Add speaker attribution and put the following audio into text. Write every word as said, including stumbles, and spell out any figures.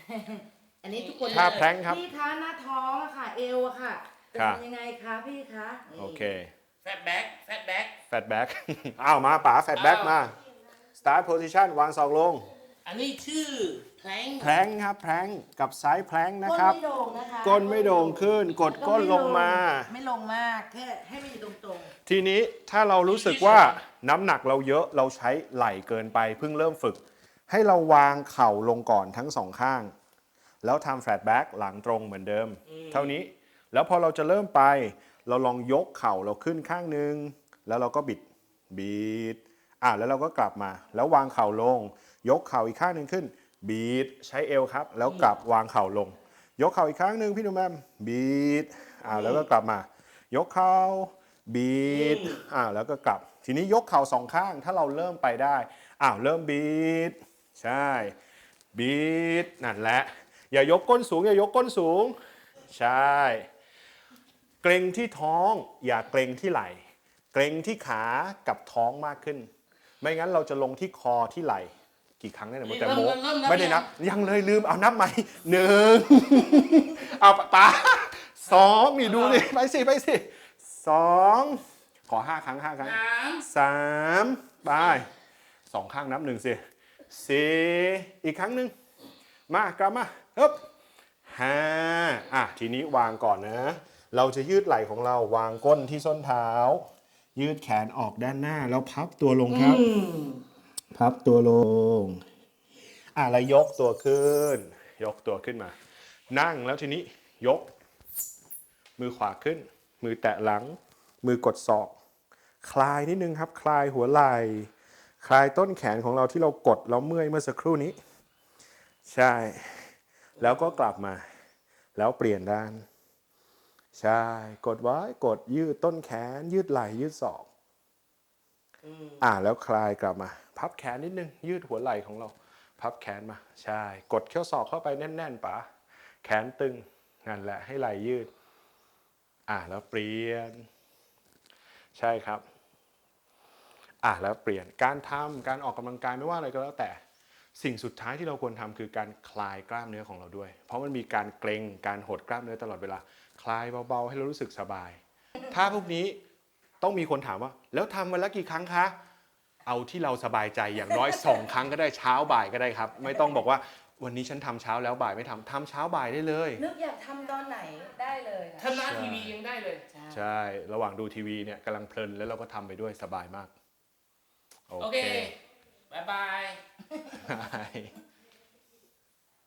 Speaker 1: อันนี้ทุกคน
Speaker 2: ท่าแพลงครับ
Speaker 1: พี่คะหน้าท้องอะค่ะเอวอะค่ะจะทำยังไงคะพี่คะนี่
Speaker 2: โอเค
Speaker 3: แฟตแบ็กแฟตแบ็ก
Speaker 2: แฟตแบ็ก อ้าวมาป๋าแฟตแบ็กมา start position วางศอกลง
Speaker 3: อันนี้ชื่อแพลง
Speaker 2: แพลงครับแพลงกับไซส์แพลงนะ
Speaker 1: ก้น
Speaker 2: ครับ
Speaker 1: ไม่โด่งนะคะ
Speaker 2: ก้นไม่โด่งขึ้นกดก้นลงมา
Speaker 1: ไม่ลงมากแค่ให้มันอยู่ตรง
Speaker 2: ทีนี้ถ้าเรารู้สึกว่าน้ำหนักเราเยอะเราใช้ไหล่เกินไปเพิ่งเริ่มฝึก ให้เราวางเข่าลงก่อนทั้งสองข้าง แล้วทำแฟลตแบ็กหลังตรงเหมือนเดิม เท่านี้แล้วพอเราจะเริ่มไป เราลองยกเข่าเราขึ้นข้างหนึ่งแล้วเราก็บิดบิดอ่ะแล้วเราก็กลับมา แล้ววางเข่าลง ยกเข่าอีกข้างหนึ่งขึ้นบีดใช้เอวครับ แล้วกลับวางเข่าลง ยกเข่าอีกครั้งหนึ่งพี่หนุ่มแมมบีดอ่าแล้วก็กลับมา ยกเข่าบีดอ่าแล้วก็กลับ ทีนี้ยกเข่าสองข้างถ้าเราเริ่มไปได้อ้าวเริ่มบีดใช่บีดนั่นแหละอย่ายกก้นสูงอย่ายกก้นสูงใช่เกรงที่ท้องอย่าเกรงที่ไหล่เกรงที่ขากับท้องมากขึ้น ไม่งั้นเราจะลงที่คอที่ไหล่กี่ครั้งได้เนี่ยแต่โมไม่ได้นับยังเลยลืมเอานับใหม่หนึ่งเอาป๋าสองนี่ดูดิไปสิไปสิสองขอห้าครั้งห้าครั้งสามไปสองข้างนับหนึ่งสิสี่อีกครั้งหนึ่งมากลับมาฮึบห้าอ่ะทีนี้วางก่อนนะเราจะยืดไหล่ของเราวางก้นที่ส้นเท้ายืดแขนออกด้านหน้าแล้วพับตัวลงครับพับตัวลงอ่ะแล้วยกตัวขึ้นยกตัวขึ้นมา นั่งแล้วทีนี้ยกมือขวาขึ้นมือแตะหลังมือกดศอกคลายนิดนึงครับคลายหัวไหล่คลายต้นแขนของเราที่เรากดแล้วเมื่อยเมื่อสักครู่นี้ใช่แล้วก็กลับมาแล้วเปลี่ยนด้านใช่กดไว้กดยืดต้นแขนยืดไหล่ยืดศอกอ่าแล้วคลายกลับมาพับแขนนิดนึงยืดหัวไหล่ของเราพับแขนมาใช่กดเข้าศอกเข้าไปแน่นๆป๋าแขนตึงนั่นแหละให้ไหล่ยืดอ่าแล้วเปลี่ยนใช่ครับอ่าแล้วเปลี่ยนการทำการออกกำลังกายไม่ว่าอะไรก็แล้วแต่สิ่งสุดท้ายที่เราควรทำคือการคลายกล้ามเนื้อของเราด้วยเพราะมันมีการเกร็งการหดกล้ามเนื้อตลอดเวลาคลายเบาๆให้เรารู้สึกสบายถ้าพวกนี้ต้องมีคนถามว่าแล้วทำวันละกี่ครั้งคะเอาที่เราสบายใจอย่างน้อยสองครั้งก็ได้เช้าบ่ายก็ได้ครับไม่ต้องบอกว่าวันนี้ฉันทำเช้าแล้วบ่ายไม่ทำทำเช้าบ่ายได้เลย
Speaker 1: ๆนึกอยากทำตอนไหนได้เลยค่ะ
Speaker 3: ทำหน้าทีวียังได้เลย
Speaker 2: ใช่ระหว่างดูทีวีเนี่ยกำลังเพลินแล้วเราก็ทำไปด้วยสบายมากโอ
Speaker 3: โอ
Speaker 2: เค
Speaker 3: เค บ๊ายบาย
Speaker 2: บาย